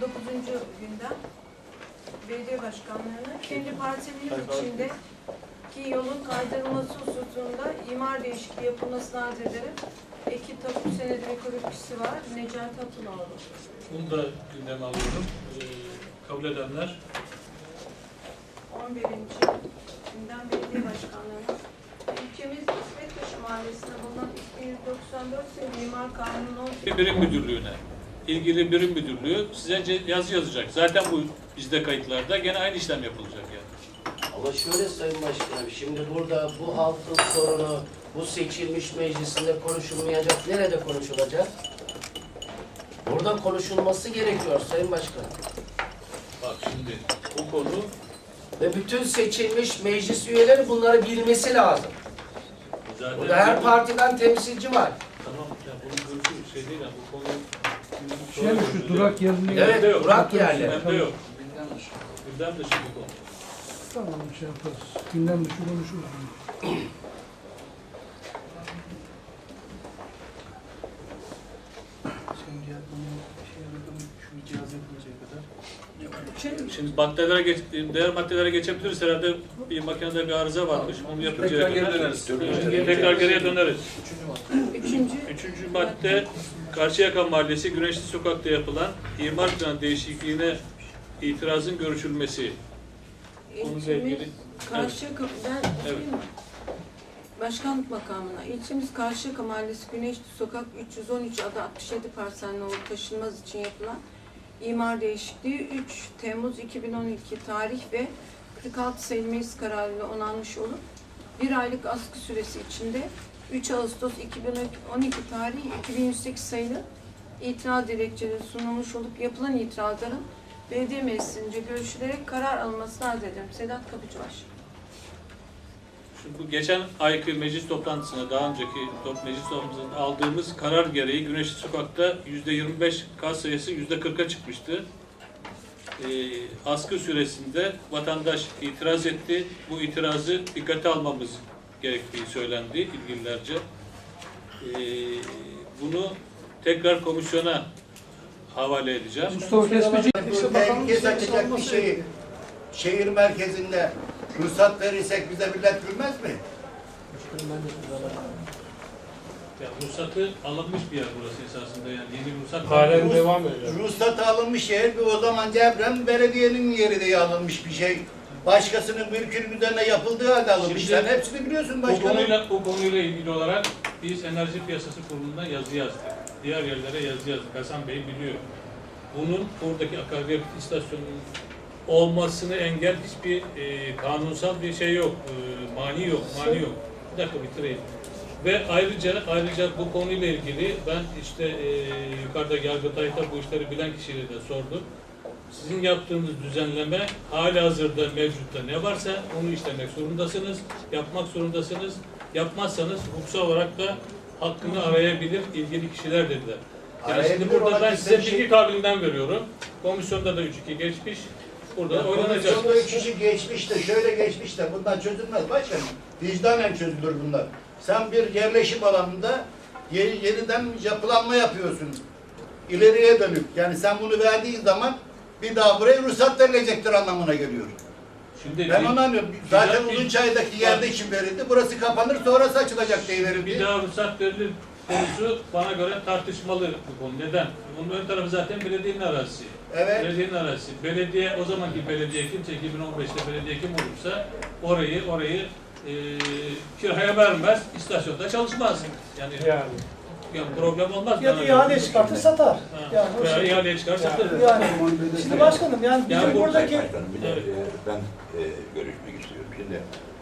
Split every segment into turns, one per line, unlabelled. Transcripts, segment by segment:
günden belediye başkanlığına kendi parselimiz içindeki yolun kaydırılması hususunda imar değişikliği yapılmasını arz ederim. Eki tapu senedi ve kuruluşçusu var. Necati Atınoğlu.
Bunu da gündeme alıyorum. Kabul edenler.
11. günden belediye başkanlığına ilçemiz İsmetbaşı Mahallesi'nde bulunan 2194 sayılı imar kanunu
Birim müdürlüğüne, ilgili birim müdürlüğü size yazı yazacak. Zaten bu bizde kayıtlarda gene aynı işlem yapılacak yani.
Ama şöyle Sayın Başkanım, şimdi burada bu halkın sorunu bu seçilmiş meclisinde konuşulmayacak, nerede konuşulacak? Burada konuşulması gerekiyor Sayın Başkanım.
Bak şimdi bu konu
Ve bütün seçilmiş meclis üyeleri bunları bilmesi lazım.
zaten
Burada her partiden temsilci var.
Tamam ya bunun görüşü şey değil ya bu konu
Şu durak yerine
Evet,
yok.
durak yerleri.
gündemde yok. Gündem dışı bir konu.
tamam şey yaparız. Gündem dışı konuşuruz.
Şimdi maddelere diğer maddelere geçebiliriz. Herhalde bir makinede bir arıza varmış. Onu yapıncaya
Tekrar
kadar.
geri döneriz.
Tekrar geriye döneriz.
Üçüncü.
Üçüncü madde Karşıyaka Mahallesi Güneşli Sokak'ta yapılan imar planı değişikliğine itirazın görüşülmesi. Onunla ilgili.
Karşıyaka, ben
Evet.
okuyayım mı? Başkanlık makamına. İlçemiz Karşıyaka Mahallesi Güneşli Sokak 313 adı 67 parselli olup taşınmaz için yapılan imar değişikliği 3 Temmuz 2012 tarih ve 46 sayılı meclis kararıyla onanmış olup bir aylık askı süresi içinde 3 Ağustos 2012 tarihi 2108 sayılı itiraz dilekçeleri sunulmuş olup yapılan itirazların belediye meclisince görüşülerek karar alınmasını arz ederim. Sedat Kapıcıbaş.
Şimdi bu geçen ayki meclis toplantısında daha önceki meclis toplantısında aldığımız karar gereği Güneşli Sokak'ta %25 kas sayısı %40'a çıkmıştı. Askı süresinde vatandaş itiraz etti. Bu itirazı dikkate almamız gerektiği söylendi ilgililerce. Bunu tekrar komisyona havale edeceğim.
Mustafa Kesmeci
Herkes açacak bir şeyi şehir merkezinde ruhsat verirsek bize millet gülmez mi?
Ya, ruhsatı alınmış bir yer burası esasında yani yeni ruhsat.
halen devam ediyor.
Ruhsatı alınmış yer o zaman Devrem belediyenin yeri diye alınmış bir şey. Başkasının mülkünün üzerine yapıldığı halde alınmış.
Şimdi
Sen hepsini biliyorsun
Bu
başkanım.
konuyla ilgili olarak biz Enerji Piyasası Kurulu'na yazı yazdık. Diğer yerlere yazı yazdık. Hasan Bey biliyor. Bunun oradaki akaryakıt istasyonunun olmasını engel hiçbir kanunsal bir şey yok. Mani yok. Bir dakika bitireyim. Ve ayrıca bu konuyla ilgili ben işte yukarıda Yargıtay'da bu işleri bilen kişiyle de sordum. Sizin yaptığınız düzenleme halihazırda mevcutta ne varsa onu işlemek zorundasınız, yapmak zorundasınız. Yapmazsanız hukuksal olarak da hakkını arayabilir ilgili kişiler dediler. Yani şimdi burada ben size bilgi kabiliğinden veriyorum. Komisyonda da 3-2 geçmiş. Burada oynanacak.
Komisyonda 3 kişi geçmiş de şöyle geçmiş de bundan çözülmez başkanım. Vicdanen çözülür bunlar. Sen bir yerleşim alanında yeniden yapılanma yapıyorsun. İleriye dönük. Yani sen bunu verdiğin zaman bir daha buraya ruhsat verilecektir anlamına geliyor.
Şimdi
Ben onu anlıyorum. Zaten Uzunçay'daki yerde için verildi. Burası kapanır sonrası açılacak diye
bir
verildi.
daha ruhsat verilir konusu bana göre tartışmalı bu konu. Neden? Bunun ön tarafı zaten belediyenin arazisi.
Evet.
Belediyenin arazisi. Belediye, o zamanki belediye kimse 2015'te belediye kim olursa orayı kiraya vermez, istasyonda çalışmaz. Yani problem olmaz.
Ya da ihale çıkartır satar. Yani o
Veya
şey.
ihaleye çıkar satır.
Yani şimdi başkanım yani bizim
Yani
buradaki
Başkanım bir de ben görüşmek istiyorum. Şimdi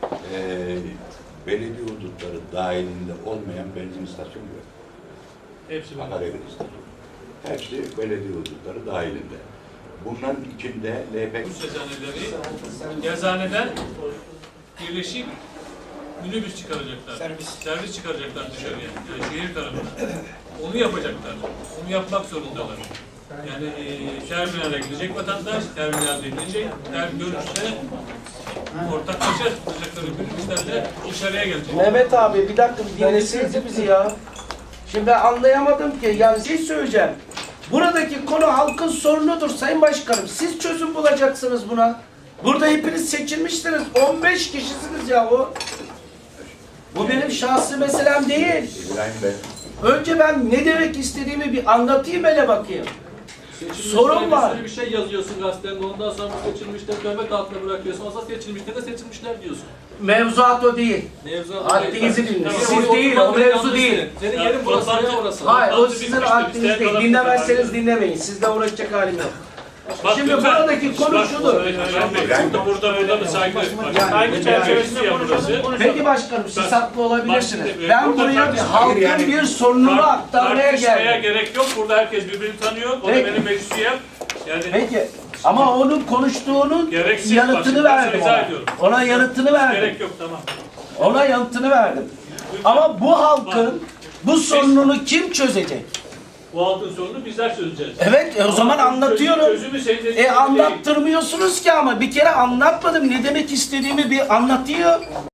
belediye hudutları dahilinde olmayan benzin istasyonu yok.
Hepsi böyle.
Akaryakıt istasyonu. Hepsi belediye hudutları dahilinde. Bunların içinde LPG
Bu eczaneleri eczaneden birleşik minibüs çıkaracaklar. Servis çıkaracaklar dışarıya. Yani şehir tarafına. Onu yapacaklar. Onu yapmak zorundalar. Yani terminale gidecek vatandaş, terminalde inecek, dönüşte ortaklaşa tutacakları minibüslerle dışarıya gelecek.
Mehmet abi bir dakika bir dinlesenize bizi ya. Şimdi ben anlayamadım ki yani şey söyleyeceğim. Buradaki konu halkın sorunudur Sayın Başkanım. Siz çözüm bulacaksınız buna. Burada hepiniz seçilmişsiniz. 15 kişisiniz yahu. Bu benim şahsi meselem değil.
İbrahim Bey.
Önce ben ne demek istediğimi bir anlatayım hele bakayım. Sorun var.
Bir şey yazıyorsun gazetende, ondan sonra bu seçilmişleri dövmek altına bırakıyorsun. Aslında seçilmişler de seçilmişler diyorsun.
Mevzuat o değil. Haddinizi dinleyin. Siz değil, o mevzu değil.
Senin yerin burası, ne orası?
Hayır, o sizin haddiniz değil. Dinlemezseniz dinlemeyin. Sizle uğraşacak halim yok. Şimdi buradaki konu şudur.
Burada bir saygı.
Yani-
Saygı çerçevesinde burası.
Peki başkanım, siz haklı olabilirsiniz. Ben
Burada
buraya bir
tartışmaya
halkın
yani-
bir sorununu aktarmaya
Tartışmaya
geldim.
gerek yok. Burada herkes birbirini tanıyor. O da
Peki.
benim meclis üyem. Yani
Peki, ama onun konuştuğunun
Gereksiz
yanıtını
bak,
verdim
izah
ona.
ediyorum.
Ona yanıtını verdim.
gerek yok, tamam.
Ona yanıtını verdim. Ama bu halkın bu sorununu kim çözecek?
Bu halkın sorunu bizler çözeceğiz.
Evet, o zaman
Ama
anlatıyorum.
Çözümü senin dediğin gibi değil.
Anlattırmıyorsunuz ki ama bir kere anlatmadım. Ne demek istediğimi bir anlatıyor.